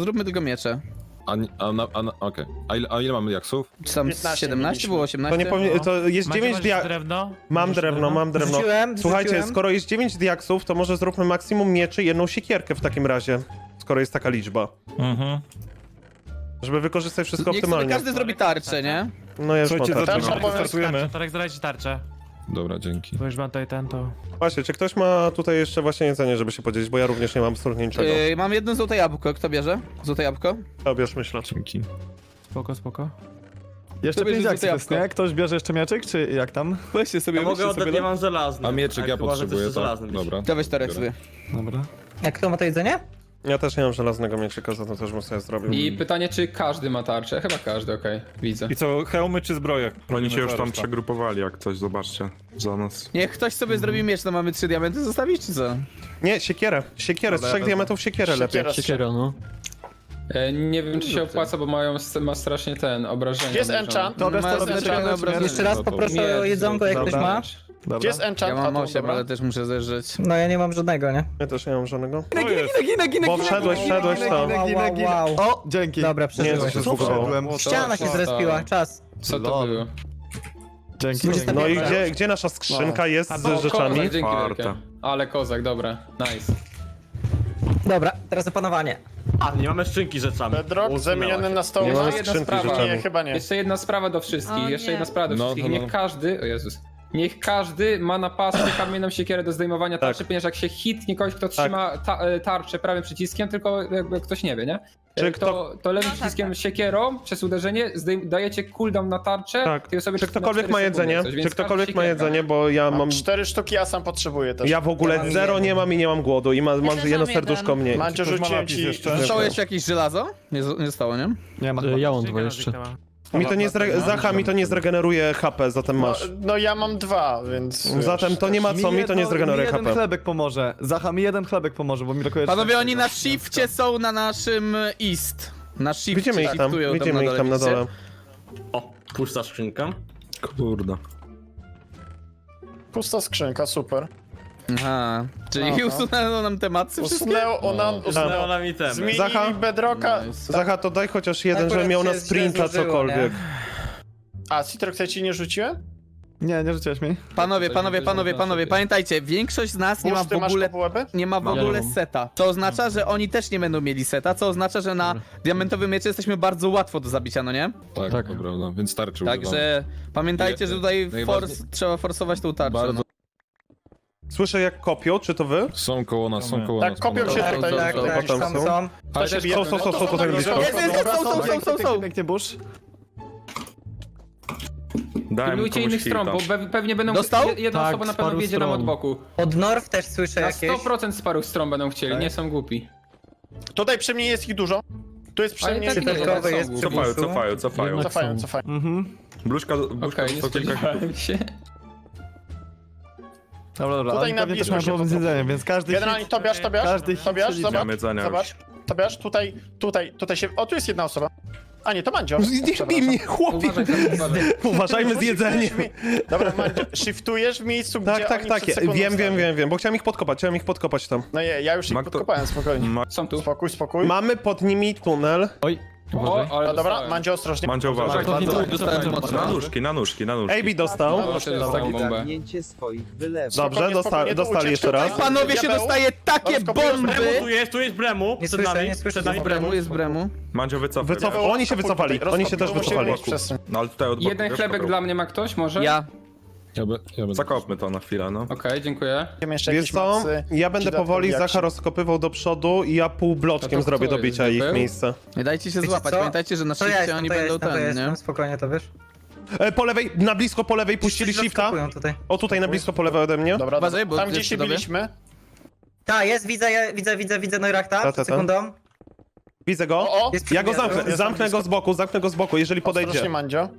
[SPEAKER 9] Okej. A ile mamy jaksów?
[SPEAKER 2] Czy tam
[SPEAKER 5] 15
[SPEAKER 2] 17
[SPEAKER 5] mieliśmy.
[SPEAKER 2] było
[SPEAKER 1] To
[SPEAKER 2] 18?
[SPEAKER 1] nie powinien, to jest
[SPEAKER 4] Macie
[SPEAKER 1] 9
[SPEAKER 4] drewno?
[SPEAKER 1] Mam drewno.
[SPEAKER 8] Wrzuciłem,
[SPEAKER 1] Słuchajcie,
[SPEAKER 8] wrzuciłem.
[SPEAKER 1] skoro jest 9 diaksów, to może zróbmy maksimum mieczy i jedną siekierkę w takim razie. Skoro jest taka liczba.
[SPEAKER 7] Mhm.
[SPEAKER 1] Żeby wykorzystać wszystko
[SPEAKER 2] Niech sobie
[SPEAKER 1] optymalnie.
[SPEAKER 2] każdy zrobi tarczę, nie?
[SPEAKER 1] No ja już mam
[SPEAKER 7] Słuchajcie,
[SPEAKER 1] tarczę.
[SPEAKER 7] zaczynamy,
[SPEAKER 5] Tarcza,
[SPEAKER 7] startujemy.
[SPEAKER 4] Torek, zdradź tarczę.
[SPEAKER 9] Dobra, dzięki.
[SPEAKER 4] Bo już mam tutaj ten, to...
[SPEAKER 1] Właśnie, czy ktoś ma tutaj jeszcze właśnie jedzenie, żeby się podzielić, bo ja również nie mam absolutnie niczego.
[SPEAKER 2] Mam jedno złote jabłko, kto bierze? Złote jabłko?
[SPEAKER 1] Obierz, myślę.
[SPEAKER 9] Dzięki.
[SPEAKER 4] Spoko.
[SPEAKER 6] Jeszcze
[SPEAKER 2] To bierze
[SPEAKER 6] 5
[SPEAKER 2] złote
[SPEAKER 6] akcji jest,
[SPEAKER 2] jabłko.
[SPEAKER 6] nie? Ktoś bierze jeszcze mieczyk, czy jak tam?
[SPEAKER 2] Weźcie sobie,
[SPEAKER 4] Ja mogę
[SPEAKER 2] weźcie
[SPEAKER 4] oddać,
[SPEAKER 2] sobie.
[SPEAKER 4] ja mam żelazny.
[SPEAKER 9] A mieczyk
[SPEAKER 4] Tak,
[SPEAKER 9] ja
[SPEAKER 4] chyba, że
[SPEAKER 9] potrzebuję,
[SPEAKER 4] chcesz
[SPEAKER 9] tak?
[SPEAKER 4] żelazny mieć.
[SPEAKER 9] Dobra.
[SPEAKER 2] To weź Torek
[SPEAKER 9] Biorę.
[SPEAKER 2] sobie.
[SPEAKER 6] Dobra.
[SPEAKER 8] Jak kto ma to jedzenie?
[SPEAKER 1] Ja też nie mam żelaznego mieczyka, za to też bym sobie zrobił.
[SPEAKER 3] I pytanie, czy każdy ma tarczę? Chyba każdy, okej, widzę.
[SPEAKER 7] I co, hełmy czy zbroje?
[SPEAKER 10] Oni się już tam
[SPEAKER 7] Reszta.
[SPEAKER 10] przegrupowali, jak coś, zobaczcie. Za nas.
[SPEAKER 2] Niech ktoś sobie zrobi miecz, to mamy 3 diamenty zostawić, czy co?
[SPEAKER 1] Nie, siekierę. Siekierę, z 3 diamentów siekierę lepiej.
[SPEAKER 5] Siekiera.
[SPEAKER 3] Nie wiem, czy się opłaca, bo ma strasznie obrażenia.
[SPEAKER 5] Gdzie jest
[SPEAKER 3] mierzone.
[SPEAKER 5] enchant?
[SPEAKER 6] Dobra,
[SPEAKER 2] Ma
[SPEAKER 6] stary,
[SPEAKER 2] znaczenie
[SPEAKER 6] czekaj,
[SPEAKER 2] obrażenia.
[SPEAKER 8] Jeszcze raz poproszę o jedzonko, jak ktoś ma.
[SPEAKER 5] Gdzie
[SPEAKER 6] Dobra.
[SPEAKER 5] jest enchant?
[SPEAKER 2] Ja mam
[SPEAKER 5] A, tu,
[SPEAKER 2] 8,
[SPEAKER 5] dobra.
[SPEAKER 2] ale też muszę zeżreć.
[SPEAKER 8] No ja nie mam żadnego, nie?
[SPEAKER 1] Ja też nie mam żadnego.
[SPEAKER 6] Ginę,
[SPEAKER 1] Bo wszedłeś tam.
[SPEAKER 8] Wow.
[SPEAKER 6] O, dzięki.
[SPEAKER 8] Dobra,
[SPEAKER 1] Nie, to
[SPEAKER 8] przeżyłeś.
[SPEAKER 1] się
[SPEAKER 6] Co
[SPEAKER 1] zbugowało.
[SPEAKER 6] wszedłem?
[SPEAKER 8] Ściana się zrespiła, czas.
[SPEAKER 3] Co to
[SPEAKER 6] Lol.
[SPEAKER 3] było?
[SPEAKER 6] Dzięki.
[SPEAKER 1] No i gdzie nasza skrzynka jest z rzeczami?
[SPEAKER 3] Kozak, dzięki
[SPEAKER 10] Czwarta.
[SPEAKER 3] wielkie. Ale kozak, dobra, nice.
[SPEAKER 8] Dobra, teraz opanowanie.
[SPEAKER 4] A, nie mamy skrzynki z rzeczami.
[SPEAKER 5] Bedrock zamieniony na stołu.
[SPEAKER 1] Nie mamy
[SPEAKER 3] Jeszcze jedna
[SPEAKER 1] skrzynki z
[SPEAKER 3] sprawa.
[SPEAKER 1] rzeczami.
[SPEAKER 5] Nie, chyba nie.
[SPEAKER 3] Jeszcze jedna sprawa do wszystkich,
[SPEAKER 11] O
[SPEAKER 3] jeszcze
[SPEAKER 11] nie.
[SPEAKER 3] jedna sprawa do
[SPEAKER 9] No,
[SPEAKER 3] wszystkich.
[SPEAKER 9] no, no.
[SPEAKER 3] Niech każdy, o Jezus, niech każdy ma na pasku kamienną siekierę do zdejmowania tarczy, ponieważ jak się hitnie kogoś, kto trzyma tarczę prawym przyciskiem, tylko jakby ktoś nie wie, nie?
[SPEAKER 1] Czy
[SPEAKER 3] To lewym
[SPEAKER 11] No,
[SPEAKER 3] przyciskiem
[SPEAKER 11] tak.
[SPEAKER 3] siekierą przez uderzenie dajecie cooldown na tarczę.
[SPEAKER 1] Tak.
[SPEAKER 3] tej osobie
[SPEAKER 1] Czy
[SPEAKER 3] na
[SPEAKER 1] ktokolwiek
[SPEAKER 3] 4
[SPEAKER 1] ma
[SPEAKER 3] sekundy
[SPEAKER 1] jedzenie?
[SPEAKER 3] coś, więc
[SPEAKER 1] Czy ktokolwiek
[SPEAKER 3] każdy
[SPEAKER 1] ma
[SPEAKER 3] siekierka.
[SPEAKER 1] jedzenie, bo ja mam...
[SPEAKER 5] 4 sztuki, ja sam potrzebuję też.
[SPEAKER 1] Ja w ogóle
[SPEAKER 8] Ja mam
[SPEAKER 1] 0
[SPEAKER 8] jeden.
[SPEAKER 1] nie mam i nie mam głodu i mam
[SPEAKER 11] też
[SPEAKER 1] jedno
[SPEAKER 11] mam
[SPEAKER 1] serduszko
[SPEAKER 11] jeden.
[SPEAKER 1] mniej.
[SPEAKER 5] Mandzio,
[SPEAKER 7] Ktoś ma
[SPEAKER 5] rzuciłem
[SPEAKER 7] napis
[SPEAKER 5] ci...
[SPEAKER 7] jeszcze?
[SPEAKER 2] Zostało jeszcze jakieś żelazo? Nie zostało, nie?
[SPEAKER 6] Nie ma.
[SPEAKER 8] Ja mam 2 jeszcze.
[SPEAKER 1] Mi to nie Zacha mi to nie zregeneruje HP, zatem masz.
[SPEAKER 5] No ja mam 2, więc...
[SPEAKER 1] Zatem to nie ma co, mi to nie zregeneruje
[SPEAKER 6] Mi jeden
[SPEAKER 1] HP.
[SPEAKER 6] chlebek pomoże. Zacha, mi jeden chlebek pomoże, bo mi brakuje...
[SPEAKER 2] Panowie, oni na shifcie są na naszym east. Na shifcie
[SPEAKER 1] Widzimy ich tam,
[SPEAKER 2] shiftują
[SPEAKER 1] widzimy ich tam na
[SPEAKER 2] widzicie?
[SPEAKER 1] dole.
[SPEAKER 4] O, pusta skrzynka.
[SPEAKER 10] Kurde.
[SPEAKER 5] Pusta skrzynka, super.
[SPEAKER 2] Aha, czyli
[SPEAKER 5] Aha.
[SPEAKER 2] usunęło nam tematy wszystkie?
[SPEAKER 4] Usunęło nam itemy.
[SPEAKER 5] Zmienili
[SPEAKER 1] Zacha?
[SPEAKER 5] Bedrocka.
[SPEAKER 1] Zacha, to daj chociaż jeden,
[SPEAKER 8] Akurat
[SPEAKER 1] żeby miał na
[SPEAKER 8] się źle
[SPEAKER 1] sprinta
[SPEAKER 8] złożyło,
[SPEAKER 1] cokolwiek.
[SPEAKER 5] A, Citrox, ja ci nie rzuciłem?
[SPEAKER 6] Nie rzuciłeś mi.
[SPEAKER 2] Panowie, pamiętajcie, większość z nas nie ma
[SPEAKER 5] Burz,
[SPEAKER 2] w
[SPEAKER 5] ty masz
[SPEAKER 2] ogóle...
[SPEAKER 5] kopułeby?
[SPEAKER 2] Nie ma w ogóle seta. Co oznacza, że oni też nie będą mieli seta, co oznacza, że na diamentowym miecze jesteśmy bardzo łatwo do zabicia, no nie?
[SPEAKER 9] Tak, to prawda, więc tarczy używamy.
[SPEAKER 2] Także pamiętajcie, że tutaj trzeba forsować tą tarczę. No.
[SPEAKER 1] Słyszę jak kopią, czy to wy?
[SPEAKER 9] Są koło nas, są koło
[SPEAKER 5] Tak,
[SPEAKER 9] nas.
[SPEAKER 5] kopią się
[SPEAKER 9] panowie.
[SPEAKER 5] tutaj.
[SPEAKER 8] Tak, tak,
[SPEAKER 1] potem
[SPEAKER 8] tam
[SPEAKER 1] są.
[SPEAKER 8] są.
[SPEAKER 5] To się bije.
[SPEAKER 1] Są tutaj blisko.
[SPEAKER 2] Są.
[SPEAKER 6] Pięknie, Bush.
[SPEAKER 10] Dałem
[SPEAKER 3] Pilnujcie
[SPEAKER 10] komuś
[SPEAKER 3] innych stron,
[SPEAKER 10] hita.
[SPEAKER 3] bo pewnie będą...
[SPEAKER 2] Dostał?
[SPEAKER 3] Jedna
[SPEAKER 6] Tak,
[SPEAKER 3] osoba na
[SPEAKER 6] z
[SPEAKER 3] pewno
[SPEAKER 6] paru
[SPEAKER 3] wjedzie nam
[SPEAKER 6] stron.
[SPEAKER 3] od boku.
[SPEAKER 8] Od Norw też słyszę
[SPEAKER 3] Na
[SPEAKER 8] jakieś.
[SPEAKER 3] 100% z paru stron będą chcieli, nie są głupi.
[SPEAKER 5] Tutaj przy mnie jest ich dużo. Tu jest przy
[SPEAKER 3] Ale
[SPEAKER 5] mnie
[SPEAKER 3] tak
[SPEAKER 5] ich
[SPEAKER 3] nie,
[SPEAKER 5] dużo.
[SPEAKER 8] Cyferkowy jest przy
[SPEAKER 10] Cofają,
[SPEAKER 8] buszu.
[SPEAKER 10] cofają, cofają.
[SPEAKER 5] Cofają.
[SPEAKER 10] Bluszka
[SPEAKER 3] Okej, nie
[SPEAKER 10] to kilka
[SPEAKER 3] spodziewałem się.
[SPEAKER 6] Dobra,
[SPEAKER 5] Tutaj
[SPEAKER 6] oni
[SPEAKER 5] na
[SPEAKER 6] pewnie też
[SPEAKER 5] blisko
[SPEAKER 6] mają
[SPEAKER 5] się
[SPEAKER 6] problem z
[SPEAKER 5] to-
[SPEAKER 6] jedzeniem, więc każdy
[SPEAKER 5] Generalnie
[SPEAKER 6] hit...
[SPEAKER 5] Tobiasz,
[SPEAKER 6] Każdy hit
[SPEAKER 5] Tobiasz,
[SPEAKER 6] się
[SPEAKER 5] zobacz.
[SPEAKER 10] Mam jedzenia już.
[SPEAKER 5] Zobacz, Tobiasz, tutaj się... O, tu jest jedna osoba. A nie, to Mandzio.
[SPEAKER 1] Nie bij mnie, chłopie!
[SPEAKER 3] Uważaj.
[SPEAKER 1] Uważajmy z jedzeniem.
[SPEAKER 5] Dobra, Mandzio, shiftujesz w miejscu, gdzie
[SPEAKER 1] Tak,
[SPEAKER 5] oni
[SPEAKER 1] tak,
[SPEAKER 5] przed sekundą
[SPEAKER 1] wiem,
[SPEAKER 5] stali.
[SPEAKER 1] bo chciałem ich podkopać tam.
[SPEAKER 5] No ja już ich
[SPEAKER 10] Ma kto-
[SPEAKER 5] podkopałem, spokojnie.
[SPEAKER 3] Są tu.
[SPEAKER 5] Spokój.
[SPEAKER 1] Mamy pod nimi tunel.
[SPEAKER 3] O, ale
[SPEAKER 5] No dobra,
[SPEAKER 3] dostałem.
[SPEAKER 5] Mandzio, ostrożnie.
[SPEAKER 10] Mandzio, uważaj.
[SPEAKER 2] Dostałem mocno.
[SPEAKER 10] Na nóżki.
[SPEAKER 1] AB dostał.
[SPEAKER 3] Proszę, dostałem bombę.
[SPEAKER 1] Dobrze,
[SPEAKER 5] Spokojnie, tu
[SPEAKER 1] dostali
[SPEAKER 5] ucieczka.
[SPEAKER 1] jeszcze raz.
[SPEAKER 2] Panowie się
[SPEAKER 5] Diabeł.
[SPEAKER 2] dostaje takie
[SPEAKER 5] Rozkopują
[SPEAKER 2] bomby!
[SPEAKER 5] Bremu,
[SPEAKER 4] Tu jest Bremu.
[SPEAKER 8] Nie
[SPEAKER 4] Przed
[SPEAKER 8] słyszę,
[SPEAKER 4] nami.
[SPEAKER 8] nie słyszę.
[SPEAKER 4] Przed nami
[SPEAKER 2] Jest bremu.
[SPEAKER 10] Mandzio, wycofaj.
[SPEAKER 1] Oni się wycofali, oni się też wycofali.
[SPEAKER 10] No ale tutaj od boku.
[SPEAKER 3] Jeden
[SPEAKER 10] wiesz,
[SPEAKER 3] chlebek
[SPEAKER 10] kogo?
[SPEAKER 3] dla mnie ma ktoś, może?
[SPEAKER 2] Ja.
[SPEAKER 9] Ja będę...
[SPEAKER 10] Zakopmy to na chwilę, no.
[SPEAKER 3] Okej, dziękuję.
[SPEAKER 5] Jeszcze
[SPEAKER 1] Wiesz
[SPEAKER 5] jakieś
[SPEAKER 1] co,
[SPEAKER 5] mocy,
[SPEAKER 1] ja będę
[SPEAKER 5] dodatkowy
[SPEAKER 1] powoli
[SPEAKER 5] action.
[SPEAKER 1] Zacha rozkopywał do przodu i ja pół bloczkiem
[SPEAKER 3] A to
[SPEAKER 1] zrobię
[SPEAKER 3] kto
[SPEAKER 1] do bicia
[SPEAKER 3] jest,
[SPEAKER 1] ich
[SPEAKER 3] Diabeł?
[SPEAKER 1] miejsce.
[SPEAKER 2] Nie dajcie się
[SPEAKER 8] Wiecie
[SPEAKER 2] złapać,
[SPEAKER 8] co?
[SPEAKER 2] pamiętajcie, że na
[SPEAKER 8] To ja
[SPEAKER 2] shifcie
[SPEAKER 8] jestem,
[SPEAKER 2] oni
[SPEAKER 8] to ja
[SPEAKER 2] będą
[SPEAKER 8] jestem, to ja
[SPEAKER 2] ten, nie?
[SPEAKER 8] jestem. Spokojnie, to wiesz.
[SPEAKER 1] Po lewej, na blisko po lewej puścili
[SPEAKER 8] Wszyscy
[SPEAKER 1] shifta.
[SPEAKER 8] rozkopują tutaj.
[SPEAKER 1] O tutaj na blisko po lewej ode mnie.
[SPEAKER 5] Dobra,
[SPEAKER 2] Uważaj, bo
[SPEAKER 5] tam gdzie
[SPEAKER 2] jest
[SPEAKER 5] się
[SPEAKER 2] przy tobie.
[SPEAKER 5] biliśmy.
[SPEAKER 8] Tak, jest, widzę Neurachta,
[SPEAKER 1] Ta.
[SPEAKER 8] przed sekundą.
[SPEAKER 1] Widzę go.
[SPEAKER 5] O,
[SPEAKER 8] Jest przy
[SPEAKER 1] Ja go
[SPEAKER 8] mnie.
[SPEAKER 1] zamknę go z boku, jeżeli
[SPEAKER 5] ostrożnie,
[SPEAKER 1] podejdzie.
[SPEAKER 5] Mandzio.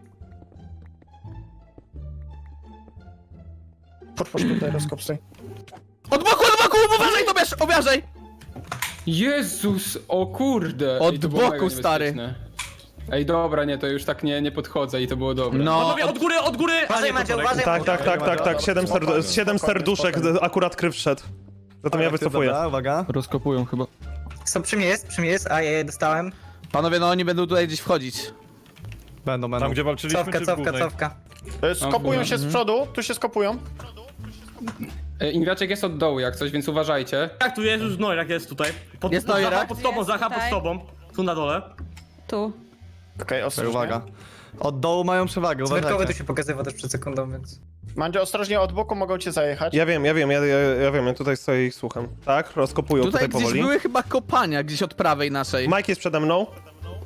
[SPEAKER 5] Pusz tutaj, rozkop stoi.
[SPEAKER 2] Od boku, uważaj, Tobiasz, uważaj!
[SPEAKER 3] Jezus, o kurde.
[SPEAKER 2] Od
[SPEAKER 3] Ej, to było
[SPEAKER 2] boku,
[SPEAKER 3] mega
[SPEAKER 2] stary.
[SPEAKER 3] niebezpieczne. Ej, dobra, nie, to już tak nie podchodzę i to było dobre.
[SPEAKER 2] No,
[SPEAKER 4] Panowie, od góry! A
[SPEAKER 8] Uważaj,
[SPEAKER 4] nie, to
[SPEAKER 8] Mandzio,
[SPEAKER 4] Torek.
[SPEAKER 8] uważaj.
[SPEAKER 1] Tak. 7 serduszek, akurat kryw wszedł. Zatem ja wycofuję.
[SPEAKER 6] Dobra, uwaga.
[SPEAKER 7] Rozkopują chyba.
[SPEAKER 8] Są przy mnie jest, a ja dostałem.
[SPEAKER 2] panowie, no oni będą tutaj gdzieś wchodzić.
[SPEAKER 6] Będą.
[SPEAKER 7] Tam gdzie walczyliśmy, czy w głównej?
[SPEAKER 8] Cofka.
[SPEAKER 5] Skopują się z przodu, tu się skopują.
[SPEAKER 3] Ingwiaczek jest od dołu jak coś, więc uważajcie.
[SPEAKER 4] Tak, tu jest już Noirak, jest tutaj.
[SPEAKER 2] Jest
[SPEAKER 4] Zacha
[SPEAKER 2] Noirak?
[SPEAKER 4] pod tobą,
[SPEAKER 11] Jest
[SPEAKER 4] Zacha pod
[SPEAKER 11] tutaj.
[SPEAKER 4] tobą. Tu na dole.
[SPEAKER 11] Tu.
[SPEAKER 5] Okej, ostrożnie.
[SPEAKER 6] Uwaga. Od dołu mają przewagę,
[SPEAKER 8] Cwerkowy tu
[SPEAKER 6] uważajcie.
[SPEAKER 8] się pokazywał też przed sekundą, więc...
[SPEAKER 5] Mandzio, ostrożnie, od boku mogą cię zajechać.
[SPEAKER 1] Ja wiem, ja tutaj stoję i słucham. Tak, rozkopują
[SPEAKER 2] Tutaj
[SPEAKER 1] tutaj
[SPEAKER 2] gdzieś
[SPEAKER 1] powoli.
[SPEAKER 2] były chyba kopania, gdzieś od prawej naszej.
[SPEAKER 1] Mike jest przede mną.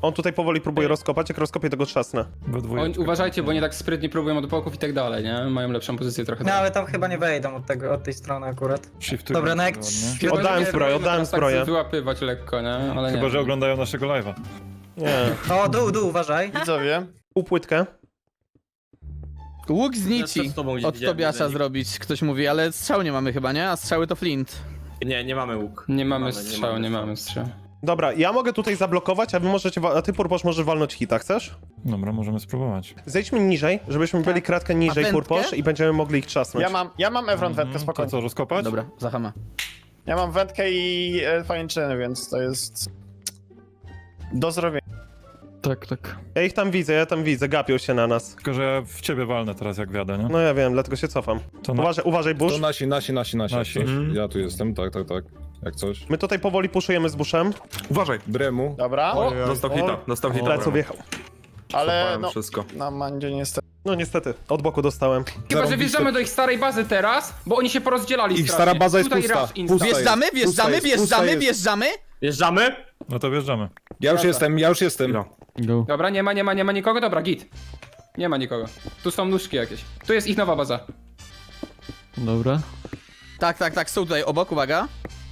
[SPEAKER 1] On tutaj powoli próbuje rozkopać, jak rozkopię, to go trzasnę.
[SPEAKER 7] We dwójeczkę.
[SPEAKER 3] Uważajcie, bo oni tak sprytnie próbują od boków i tak dalej, nie? Mają lepszą pozycję trochę.
[SPEAKER 8] No ale tam chyba nie wejdą od tej strony akurat.
[SPEAKER 7] Shiftuj
[SPEAKER 8] Dobra, no jak...
[SPEAKER 7] ładnie.
[SPEAKER 3] Chyba, że
[SPEAKER 1] Oddałem
[SPEAKER 3] nie,
[SPEAKER 1] zbroję,
[SPEAKER 3] możemy
[SPEAKER 1] oddałem
[SPEAKER 3] teraz tak
[SPEAKER 1] zbroję.
[SPEAKER 3] wyłapywać lekko, nie? Ale nie.
[SPEAKER 7] Chyba, że oglądają naszego live'a.
[SPEAKER 1] Nie.
[SPEAKER 8] O, dół, uważaj.
[SPEAKER 5] Widzowie.
[SPEAKER 1] Półpłytkę.
[SPEAKER 2] Łuk z nici
[SPEAKER 4] Przed tobą gdzieś
[SPEAKER 2] od
[SPEAKER 4] widziałem,
[SPEAKER 2] Tobiasza
[SPEAKER 4] widzę.
[SPEAKER 2] zrobić, ktoś mówi, ale strzał nie mamy chyba, nie? A strzały to flint.
[SPEAKER 4] Nie mamy łuk.
[SPEAKER 3] Nie mamy strzału, nie mamy strzału.
[SPEAKER 1] Dobra, ja mogę tutaj zablokować, a wy możecie, a ty Purposz możesz walnąć hita, chcesz?
[SPEAKER 7] Dobra, możemy spróbować.
[SPEAKER 1] Zejdźmy niżej, żebyśmy byli kratkę niżej,
[SPEAKER 2] wędkę?
[SPEAKER 1] Purposz, i będziemy mogli ich trzasnąć.
[SPEAKER 5] Ja mam Evron wędkę,
[SPEAKER 7] To
[SPEAKER 5] spokojnie.
[SPEAKER 7] co, rozkopać?
[SPEAKER 2] Dobra, zachama.
[SPEAKER 5] Ja mam wędkę i pajęczyny, więc to jest... do zrobienia.
[SPEAKER 6] Tak, tak.
[SPEAKER 1] Ja tam widzę, gapią się na nas.
[SPEAKER 7] Tylko, że ja w ciebie walnę teraz, jak wjadę, nie?
[SPEAKER 1] No ja wiem, dlatego się cofam.
[SPEAKER 7] To na...
[SPEAKER 1] Uważaj, Bush.
[SPEAKER 9] To nasi.
[SPEAKER 7] Nasi.
[SPEAKER 9] Ja tu jestem, tak. Jak coś.
[SPEAKER 1] My tutaj powoli puszujemy z Bushem.
[SPEAKER 10] Uważaj!
[SPEAKER 9] Bremu.
[SPEAKER 5] Dobra,
[SPEAKER 10] Dostał hita.
[SPEAKER 1] Pleców wjechał.
[SPEAKER 5] ale
[SPEAKER 10] Kopałem
[SPEAKER 5] no...
[SPEAKER 10] wszystko.
[SPEAKER 5] Na Mandzie niestety.
[SPEAKER 1] No niestety, od boku dostałem.
[SPEAKER 3] Chyba, że wjeżdżamy do ich starej bazy teraz, bo oni się porozdzielali
[SPEAKER 9] Ich
[SPEAKER 3] strasznie.
[SPEAKER 9] stara baza jest
[SPEAKER 3] Tutaj
[SPEAKER 9] pusta.
[SPEAKER 3] rush instant.
[SPEAKER 9] Pusta
[SPEAKER 2] Wjeżdżamy,
[SPEAKER 9] jest,
[SPEAKER 2] wjeżdżamy,
[SPEAKER 9] pusta jest, pusta
[SPEAKER 2] wjeżdżamy,
[SPEAKER 9] jest.
[SPEAKER 2] wjeżdżamy.
[SPEAKER 4] Wjeżdżamy?
[SPEAKER 7] No to wjeżdżamy.
[SPEAKER 9] Ja już jestem.
[SPEAKER 10] No.
[SPEAKER 6] Go.
[SPEAKER 3] Dobra, nie ma nikogo, dobra, git. Nie ma nikogo. Tu są nóżki jakieś. Tu jest ich nowa baza.
[SPEAKER 6] Dobra.
[SPEAKER 2] Tak, są tutaj obok, uwaga.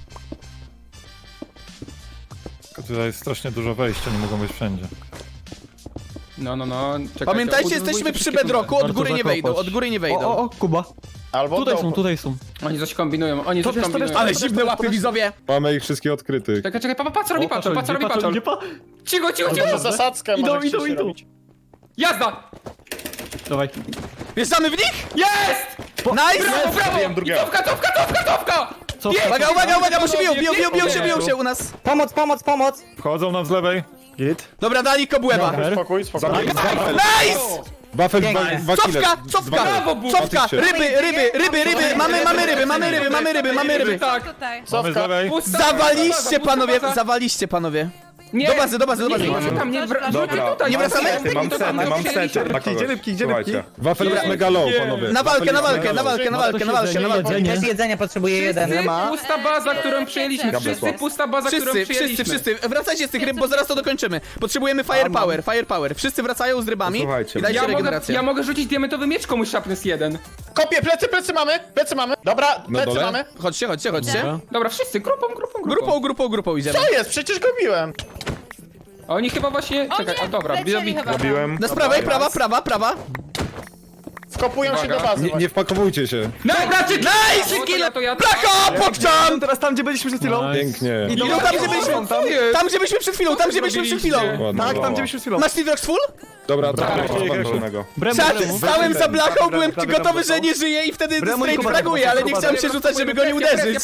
[SPEAKER 7] Tylko tutaj jest strasznie dużo wejścia, nie mogą być wszędzie.
[SPEAKER 3] No. Czekajcie,
[SPEAKER 2] Pamiętajcie,
[SPEAKER 3] udwójcie
[SPEAKER 2] jesteśmy przy
[SPEAKER 3] wszystkie
[SPEAKER 2] bedrocku, od
[SPEAKER 6] Warto
[SPEAKER 2] góry nie
[SPEAKER 6] zakopać.
[SPEAKER 2] wejdą, od góry nie wejdą.
[SPEAKER 6] O, Kuba.
[SPEAKER 5] Albo
[SPEAKER 6] Tutaj
[SPEAKER 5] dołu.
[SPEAKER 6] są, tutaj są.
[SPEAKER 3] tunele. Oni coś kombinują, oni coś
[SPEAKER 6] Tobiasz,
[SPEAKER 3] kombinują.
[SPEAKER 2] Ale zimne łapy, widzowie.
[SPEAKER 9] Mamy ich wszystkich odkrytych.
[SPEAKER 3] Czekaj, pa, co robi patrol, pa, co robi patrol. Cicho.
[SPEAKER 5] Może zasadzkę
[SPEAKER 6] Idą,
[SPEAKER 5] może
[SPEAKER 6] idą,
[SPEAKER 5] chcieć
[SPEAKER 6] idą.
[SPEAKER 5] robić.
[SPEAKER 3] Jazda!
[SPEAKER 6] Dawaj.
[SPEAKER 2] Wjeżdżamy w nich?
[SPEAKER 3] Jest!
[SPEAKER 2] Nice!
[SPEAKER 3] Brawo! I cofka!
[SPEAKER 6] Co?
[SPEAKER 2] Uwaga, bo się biją się u nas.
[SPEAKER 8] Pomoc!
[SPEAKER 7] Wchodzą nam z lewej.
[SPEAKER 6] Git.
[SPEAKER 2] Dobra, dali kobłęba.
[SPEAKER 5] Spokój.
[SPEAKER 2] Nice!
[SPEAKER 9] Wafel,
[SPEAKER 8] Pięknie.
[SPEAKER 9] dwa kile.
[SPEAKER 2] Cofka, ryby, mamy ryby.
[SPEAKER 3] Tak.
[SPEAKER 7] Mamy z lewej.
[SPEAKER 3] Pusta
[SPEAKER 2] Zawaliście panowie.
[SPEAKER 3] Nie.
[SPEAKER 2] Do bazy.
[SPEAKER 3] Nie, tam nie wracajcie tutaj.
[SPEAKER 2] Nie wracamy?
[SPEAKER 10] Mam sety.
[SPEAKER 6] Gdzie rybki?
[SPEAKER 9] Wafel jest mega low, panowie.
[SPEAKER 2] Na walkę.
[SPEAKER 8] Też jedzenia potrzebuje jeden.
[SPEAKER 3] Pusta baza, którą przyjęliśmy. Wszyscy pusta baza, którą przyjęliśmy.
[SPEAKER 2] Wszyscy. Wracajcie z tych ryb, bo zaraz to dokończymy. Potrzebujemy firepower. Wszyscy wracają z rybami.
[SPEAKER 10] Słuchajcie,
[SPEAKER 2] I dajcie regenerację.
[SPEAKER 3] Ja mogę rzucić diamentowy miecz komuś szapnys jeden.
[SPEAKER 5] Kopię, plecy mamy. Dobra, plecy
[SPEAKER 9] dole?
[SPEAKER 5] mamy.
[SPEAKER 2] Chodźcie.
[SPEAKER 3] Dobra, wszyscy, grupą.
[SPEAKER 2] Idziemy.
[SPEAKER 5] Co jest? Przecież go biłem.
[SPEAKER 3] A oni chyba właśnie... Czekaj, a dobra,
[SPEAKER 10] Robiłem.
[SPEAKER 2] Na z prawej, prawa.
[SPEAKER 5] Wkopują się do bazy.
[SPEAKER 9] Nie wpakowujcie się.
[SPEAKER 3] Dobra,
[SPEAKER 2] Nice!
[SPEAKER 3] to ja...
[SPEAKER 2] Blaka, pokczam!
[SPEAKER 6] Teraz tam, gdzie byliśmy przed chwilą.
[SPEAKER 9] Pięknie.
[SPEAKER 2] Idą tam, gdzie byliśmy przed chwilą.
[SPEAKER 9] Ładnie,
[SPEAKER 6] Tak, tam,
[SPEAKER 9] ładnie.
[SPEAKER 6] gdzie byliśmy przed chwilą.
[SPEAKER 2] Masz Tidrox full?
[SPEAKER 9] Dobra,
[SPEAKER 2] Czat, stałem za blachą, byłem gotowy, że nie żyje i wtedy
[SPEAKER 6] Bremu i
[SPEAKER 2] straight
[SPEAKER 6] Kuba,
[SPEAKER 2] fraguję, ale nie
[SPEAKER 6] Kuba,
[SPEAKER 2] chciałem się rzucać, żeby go nie uderzyć.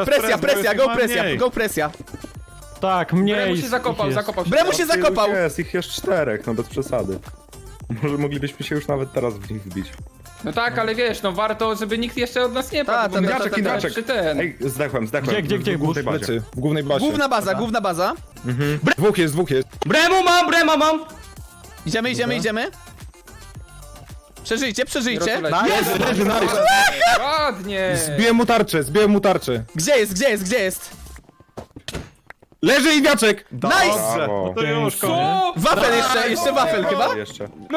[SPEAKER 2] Go presja.
[SPEAKER 6] Tak,
[SPEAKER 3] Zakopał.
[SPEAKER 2] Bremu się zakopał.
[SPEAKER 10] Jest, ich jest 4, no bez przesady. Może moglibyśmy się już nawet teraz w nich wbić.
[SPEAKER 3] No tak, ale wiesz, no warto, żeby nikt jeszcze od nas nie
[SPEAKER 2] Ta,
[SPEAKER 3] padł. bo
[SPEAKER 2] ta,
[SPEAKER 3] my
[SPEAKER 2] ta,
[SPEAKER 3] przy ten.
[SPEAKER 10] Ej, zdechłem.
[SPEAKER 6] Gdzie?
[SPEAKER 10] W głównej bazie.
[SPEAKER 9] Plecy, w głównej bazie.
[SPEAKER 2] Główna baza.
[SPEAKER 9] Dwóch jest.
[SPEAKER 4] Brema mam!
[SPEAKER 2] Idziemy. Przeżyjcie.
[SPEAKER 9] Leży, nice.
[SPEAKER 3] Ładnie.
[SPEAKER 9] Zbiłem mu tarczę.
[SPEAKER 2] Gdzie jest?
[SPEAKER 9] Leży i wiaczek!
[SPEAKER 2] Nice!
[SPEAKER 10] Brawo.
[SPEAKER 7] To już koniec.
[SPEAKER 3] Co?
[SPEAKER 2] Wafel jeszcze wafel chyba?
[SPEAKER 10] Jeszcze.
[SPEAKER 3] No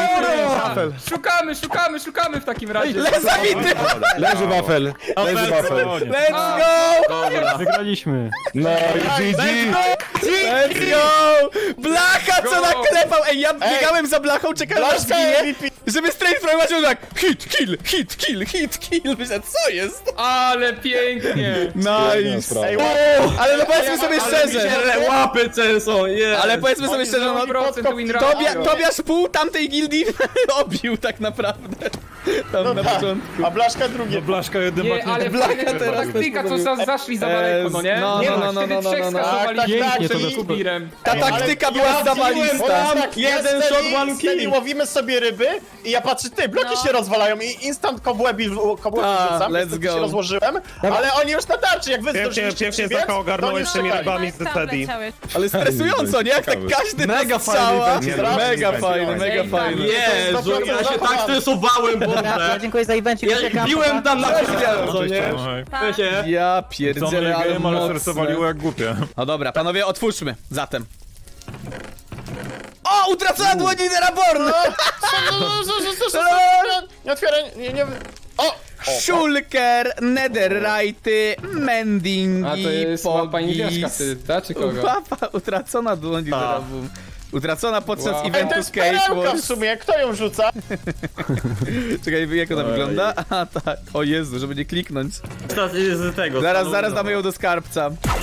[SPEAKER 3] i szukamy w takim razie.
[SPEAKER 2] Zabity!
[SPEAKER 9] Leży wafel.
[SPEAKER 2] Let's go!
[SPEAKER 6] Wygraliśmy.
[SPEAKER 9] No i GG.
[SPEAKER 2] Let's go! Blacha co naklepał! Ej, ja biegałem za blachą, czekałem aż
[SPEAKER 5] Blaszka
[SPEAKER 2] zginie,
[SPEAKER 5] MVP.
[SPEAKER 2] żeby straight fragment tak hit, kill. Myślałem, co jest?
[SPEAKER 3] Ale pięknie.
[SPEAKER 2] Nice!
[SPEAKER 5] Ej,
[SPEAKER 2] Ale no powiedzmy sobie szczerze,
[SPEAKER 4] Łapy są,
[SPEAKER 2] ale powiedzmy sobie szczerze, no
[SPEAKER 3] 100% win ratio.
[SPEAKER 2] Tobiasz pół tamtej gildii obił tak naprawdę. Tam na początku.
[SPEAKER 5] A Blaszka drugie.
[SPEAKER 7] Blaszka jednym
[SPEAKER 3] Nie,
[SPEAKER 7] bakiem.
[SPEAKER 3] ale
[SPEAKER 2] Blaka
[SPEAKER 3] fajna
[SPEAKER 2] teraz
[SPEAKER 3] taktyka, co zaszli za daleko, no nie?
[SPEAKER 2] No,
[SPEAKER 3] Nie
[SPEAKER 2] no,
[SPEAKER 3] ma,
[SPEAKER 2] no,
[SPEAKER 3] wtedy
[SPEAKER 2] no,
[SPEAKER 3] trzech
[SPEAKER 2] no, no.
[SPEAKER 3] skasowali
[SPEAKER 5] Tak,
[SPEAKER 3] pięknie,
[SPEAKER 5] to
[SPEAKER 3] to
[SPEAKER 5] jest
[SPEAKER 3] Kubirem.
[SPEAKER 2] Ta taktyka była zawalista.
[SPEAKER 5] Jeden shot, one kill. Łowimy sobie ryby i ja patrzę, ty, bloki się rozwalają i instant kobłębi rzucam,
[SPEAKER 2] let's
[SPEAKER 5] niestety
[SPEAKER 2] go.
[SPEAKER 5] się rozłożyłem, ale oni już na tarczy, jak wy zdążyliście
[SPEAKER 1] Pięknie
[SPEAKER 5] przybiec,
[SPEAKER 1] Zaka
[SPEAKER 5] to
[SPEAKER 1] ogarnąłeś
[SPEAKER 5] oni
[SPEAKER 1] tymi
[SPEAKER 5] czekali.
[SPEAKER 1] rybami z Decedi.
[SPEAKER 2] Ale stresująco, nie? Jak tak każdy
[SPEAKER 6] Mega
[SPEAKER 2] strzała.
[SPEAKER 6] fajny event.
[SPEAKER 2] Mega fajny.
[SPEAKER 4] Jezu, ja się tak stresowałem, Boże!
[SPEAKER 8] Dziękuję za evencik.
[SPEAKER 4] Ja biłem tam na
[SPEAKER 7] Oj.
[SPEAKER 2] Ja
[SPEAKER 7] Co mnie
[SPEAKER 2] pierdzielę, ale
[SPEAKER 7] game, ale
[SPEAKER 2] mocne.
[SPEAKER 7] stresowaliło jak głupie.
[SPEAKER 2] No dobra, panowie, otwórzmy zatem. O, utracona dłoń lidera Born!
[SPEAKER 5] Nie otwieraj, nie... O!
[SPEAKER 2] Shulker, Netherite, Mending,
[SPEAKER 3] A to jest mapa niewiaska wtedy, ta, czy kogo?
[SPEAKER 2] Mapa utracona dłoń lidera Boom. Utracona podczas
[SPEAKER 3] Wow.
[SPEAKER 5] Ej, to
[SPEAKER 2] eventu
[SPEAKER 5] jest
[SPEAKER 2] Skate
[SPEAKER 5] perełka w
[SPEAKER 2] Wars.
[SPEAKER 5] sumie, kto ją rzuca?
[SPEAKER 2] Czekaj, jak ona wygląda? A tak, o Jezu, żeby nie kliknąć.
[SPEAKER 4] Z tego.
[SPEAKER 2] Zaraz damy ją do skarbca.